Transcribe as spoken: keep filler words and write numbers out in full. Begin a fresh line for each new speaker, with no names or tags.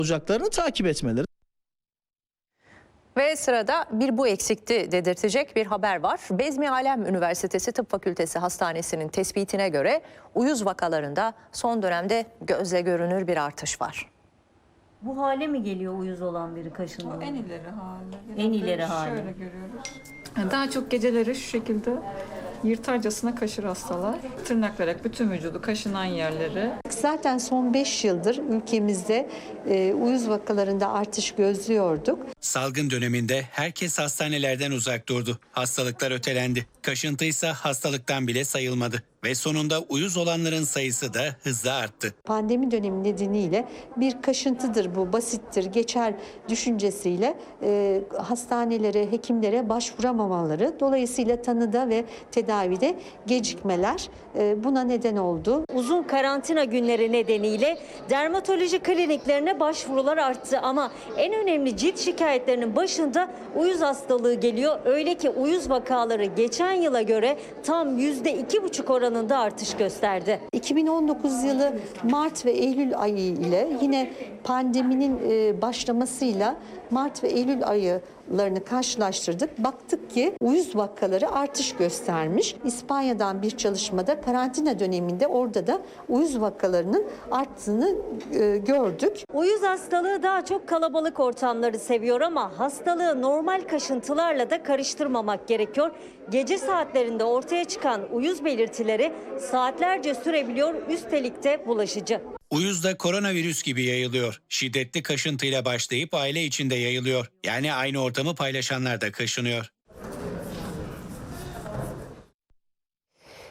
olacaklarını takip etmeleri.
Ve sırada bir bu eksikti dedirtecek bir haber var. Bezmi Alem Üniversitesi Tıp Fakültesi Hastanesi'nin tespitine göre uyuz vakalarında son dönemde gözle görünür bir artış var.
Bu hale mi geliyor uyuz olan biri
O
kaşındığı?
en ileri hali.
En
Genelde
ileri hali.
Şöyle görüyoruz. Daha çok geceleri şu şekilde yırtarcasına kaşır hastalar. Tırnaklayarak bütün vücudu, kaşınan yerleri.
Zaten son beş yıldır ülkemizde e, uyuz vakalarında artış gözlüyorduk.
Salgın döneminde herkes hastanelerden uzak durdu. Hastalıklar ötelendi. Kaşıntıysa hastalıktan bile sayılmadı. Ve sonunda uyuz olanların sayısı da hızla arttı.
Pandemi dönemi nedeniyle bir kaşıntıdır bu, basittir, geçer düşüncesiyle e, hastanelere, hekimlere başvuramamaları, dolayısıyla tanıda ve tedavide gecikmeler e, buna neden oldu.
Uzun karantina günleri nedeniyle dermatoloji kliniklerine başvurular arttı ama en önemli cilt şikayetlerinin başında uyuz hastalığı geliyor. Öyle ki uyuz vakaları geçen yıla göre tam yüzde iki buçuk oranında artış gösterdi.
iki bin on dokuz yılı Mart ve Eylül ayı ile yine pandeminin e, başlamasıyla Mart ve Eylül aylarını karşılaştırdık. Baktık ki uyuz vakaları artış göstermiş. İspanya'dan bir çalışmada karantina döneminde orada da uyuz vakalarının arttığını e, gördük.
Uyuz hastalığı daha çok kalabalık ortamları seviyor ama hastalığı normal kaşıntılarla da karıştırmamak gerekiyor. Gece saatlerinde ortaya çıkan uyuz belirtileri saatlerce sürebiliyor, üstelik de bulaşıcı.
Uyuz da koronavirüs gibi yayılıyor. Şiddetli kaşıntıyla başlayıp aile içinde yayılıyor. Yani aynı ortamı paylaşanlar da kaşınıyor.